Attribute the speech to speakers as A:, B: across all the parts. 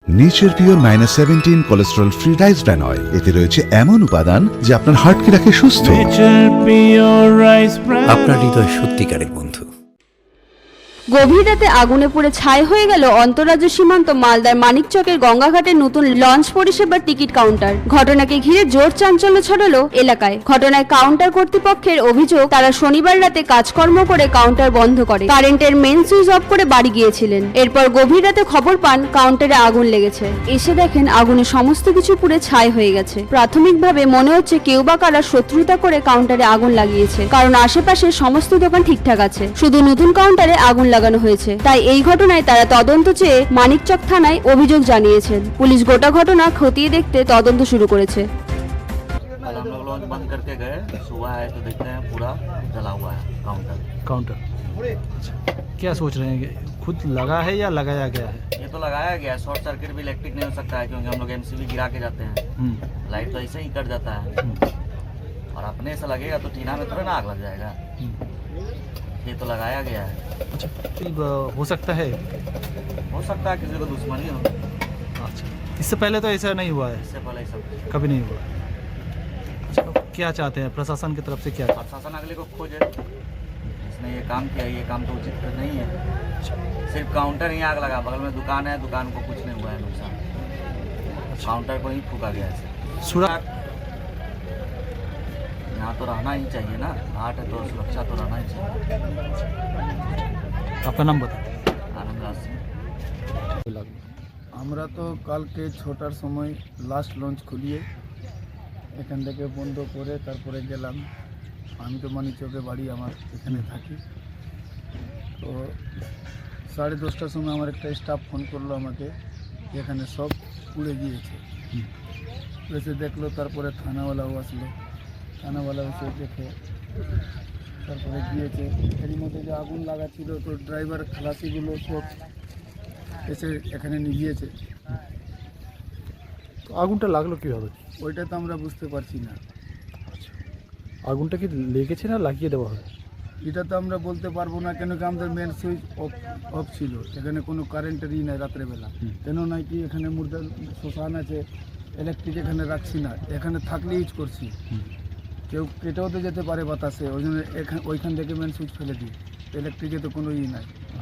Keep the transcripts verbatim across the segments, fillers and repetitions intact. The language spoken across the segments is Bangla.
A: Nature Pure minus seventeen cholesterol free rice bran oil, এতে রয়েছে এমন উপাদান যা আপনার হার্টকে রাখে সুস্থ।
B: আপনার হৃদয় সত্যিকারের বন্ধু।
C: গভীর রাতে আগুনে পুড়ে ছাই হয়ে গেল অন্তর্রাজ্য সীমান্ত মালদার মানিকচকের গঙ্গাঘাটের নতুন লঞ্চ পরিষেবার টিকিট কাউন্টার। ঘটনাকে ঘিরে জোর চাঞ্চল্য ছড়ালো এলাকায়। ঘটনায় কাউন্টার কর্তৃপক্ষের অভিযোগ, তারা শনিবার রাতে কাজকর্ম করে কাউন্টার বন্ধ করে কারেন্টের মেন সুইচ অফ করে বাড়ি গিয়েছিলেন। এরপর গভীর রাতে খবর পান কাউন্টারে আগুন লেগেছে। এসে দেখেন আগুনে সমস্ত কিছু পুড়ে ছাই হয়ে গেছে। প্রাথমিকভাবে মনে হচ্ছে কেউ বা কারা শত্রুতা করে কাউন্টারে আগুন লাগিয়েছে, কারণ আশেপাশে সমস্ত দোকান ঠিকঠাক আছে, শুধু নতুন কাউন্টারে আগুন লাগানো হয়েছে। তাই এই ঘটনায় তারা তদন্ত চেয়ে মানিকচক থানায় অভিযোগ জানিয়েছেন। পুলিশ গোটা ঘটনা খতিয়ে দেখতে তদন্ত শুরু করেছে।
D: कल हम लोग लॉन्च बंद करके गए, सुबह आए तो देखते हैं पूरा जला हुआ है काउंटर
E: काउंटर अच्छा, क्या सोच रहे हैं कि खुद लगा है या लगाया गया है?
D: ये तो लगाया गया है। शॉर्ट सर्किट भी इलेक्ट्रिक नहीं हो सकता है, क्योंकि हम लोग एमसीबी गिरा के जाते हैं, लाइट तो ऐसे ही कट जाता है, और अपने से लगेगा तो टीना में थोड़ा ना आग लग जाएगा। ये तो लगाया गया है।
E: अच्छा, हो सकता है
D: हो सकता है किसी को दुश्मनी हो।
E: अच्छा, इससे पहले तो ऐसा नहीं हुआ है?
D: इससे पहले सब
E: कभी नहीं हुआ। अच्छा, क्या चाहते हैं प्रशासन की तरफ से? क्या
D: प्रशासन अगले को खोजे, इसने ये काम किया, ये काम तो उचित नहीं है। सिर्फ काउंटर ही आग लगा, बगल में दुकान है, दुकान को कुछ नहीं हुआ है नुकसान, काउंटर को ही फूका गया है।
E: सुरक्षा
D: यहाँ तो रहना ही चाहिए ना, घाट है तो सुरक्षा तो रहना ही चाहिए।
E: आपका नाम बता।
D: आनंद राज सिंह।
F: আমরা তো কালকে ছটার সময় লাস্ট লঞ্চ খুলিয়ে এখান থেকে বন্ধ করে তারপরে গেলাম। আমি তো মানিকচকে বাড়ি, আমার এখানে থাকি। তো সাড়ে দশটার সময় আমার একটা স্টাফ ফোন করলো আমাকে, এখানে সব পুড়ে গিয়েছে। এসে দেখলো, তারপরে থানাওয়ালাও আসলো, থানাওয়ালা এসে দেখে তারপরে গিয়েছে। এর মধ্যে যে আগুন লাগা ছিল, তো ড্রাইভার খালাসিগুলো সব এসে এখানে নিয়ে গিয়েছে।
E: তো আগুনটা লাগলো কীভাবে?
F: ওইটা তো আমরা বুঝতে পারছি না।
E: আগুনটা কি লেগেছে না লাগিয়ে দেওয়া হয়?
F: এটা তো আমরা বলতে পারবো না, কেন কি আমাদের মেন সুইচ অফ অফ ছিল, এখানে কোনো কারেন্টেরই নাই রাত্রেবেলা। কেন নয় কি এখানে মুর্দা শ্মশান আছে, ইলেকট্রিক এখানে রাখছি না, এখানে থাকলে ইউজ করছি। কেউ কেটেও তো যেতে পারে বাতাসে, ওই জন্য এখানে ওইখান থেকে মেন সুইচ ফেলে দিই। ইলেকট্রিকে তো কোনো ই নাই।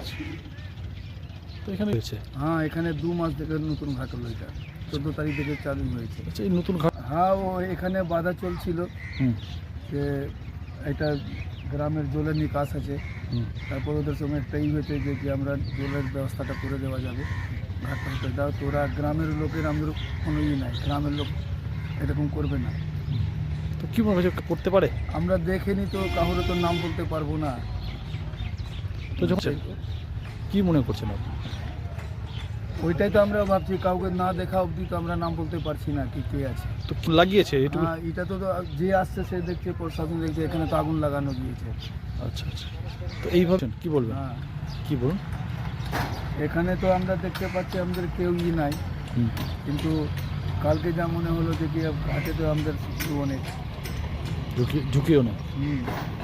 E: তো এখানে হয়েছে?
F: হ্যাঁ, এখানে দু মাস থেকে নতুন ঘাট হলো, এটা চোদ্দো তারিখ থেকে চালু হয়েছে।
E: আচ্ছা, এই নতুন ঘাট?
F: হ্যাঁ, ও এখানে বাধা চলছিল যে এটা গ্রামের জলের নিকাশ আছে, তারপর ওদের সঙ্গে একটাই হয়েছে যে কি আমরা জলের ব্যবস্থাটা করে দেওয়া যাবে, ঘাটটা হতে দাও। তো ওরা গ্রামের লোকের, আমাদের কোনো ই নাই, গ্রামের লোক এরকম করবে না।
E: তো কী মনে হচ্ছে করতে পারে?
F: আমরা দেখিনি তো, কাউরে তো নাম বলতে পারবো না।
E: তো যখন কী মনে করছেন আপনি?
F: ওইটাই তো আমরা ভাবছি, কাউকে না দেখা অবধি তো আমরা নাম বলতে পারছি না কি কে আছে।
E: তো কি লাগিয়েছে এটুকু?
F: হ্যাঁ, এটা তো যে আসছে সে দেখছে, প্রশাসন দেখছে, এখানে তো আগুন লাগানো গিয়েছে।
E: আচ্ছা আচ্ছা, তো এইভাবে কী বলবেন?
F: হ্যাঁ,
E: কী বলুন?
F: এখানে তো আমরা দেখতে পাচ্ছি আমাদের কেউ ই নাই, কিন্তু কালকে যা মনে হলো যে কি ঘাটে তো আমাদের অনেক
E: ঝুঁকি ঝুঁকিও না।
F: হুম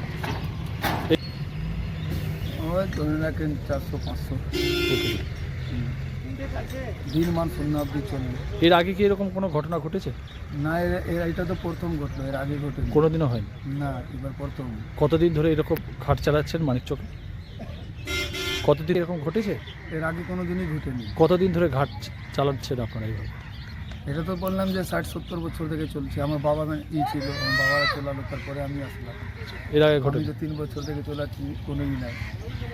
F: ওই ধরে রাখেন চারশো পাঁচশো দিন মান শূন্য অব্দি চলবে।
E: এর আগে কি এরকম কোনো ঘটনা ঘটেছে?
F: না, এর- এটা তো প্রথম ঘটলো, এর আগে ঘটে
E: কোনোদিনও হয়নি?
F: না, এবার প্রথম।
E: কতদিন ধরে এরকম ঘাট চালাচ্ছেন মানিকচকে? কতদিন এরকম ঘটেছে?
F: এর আগে কোনো দিনই ঘটেনি।
E: কতদিন ধরে ঘাট চালাচ্ছেন আপনারা এইভাবে?
F: এটা তো বললাম যে ষাট সত্তর বছর থেকে চলছে। আমার বাবা ই ছিল, আমার বাবারা চলালো, তারপরে আমি আসলাম।
E: এর আগে
F: আমি
E: ঘটে
F: তো তিন বছর থেকে চলাচ্ছি, কোনো ই নাই।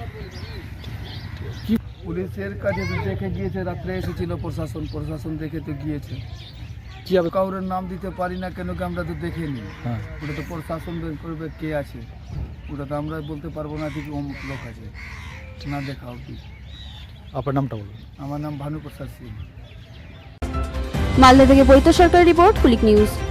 E: কি
F: পুলিশের কাছে তো দেখে গিয়েছে, রাত্রে এসেছিল প্রশাসন, প্রশাসন দেখে তো গিয়েছে।
E: কী হবে?
F: কাউরের নাম দিতে পারি না, কেন কি আমরা তো দেখিনি।
E: হ্যাঁ,
F: ওটা তো প্রশাসন বের করবে কে আছে, ওটা তো আমরা বলতে পারবো না যে কি অমুক লোক আছে, না দেখা অবধি।
E: আপনার নামটা বলুন।
F: আমার নাম ভানুপ্রসাদ সিং।
C: মালদা থেকে বৈত সরকার রিপোর্ট, কুলিক নিউজ।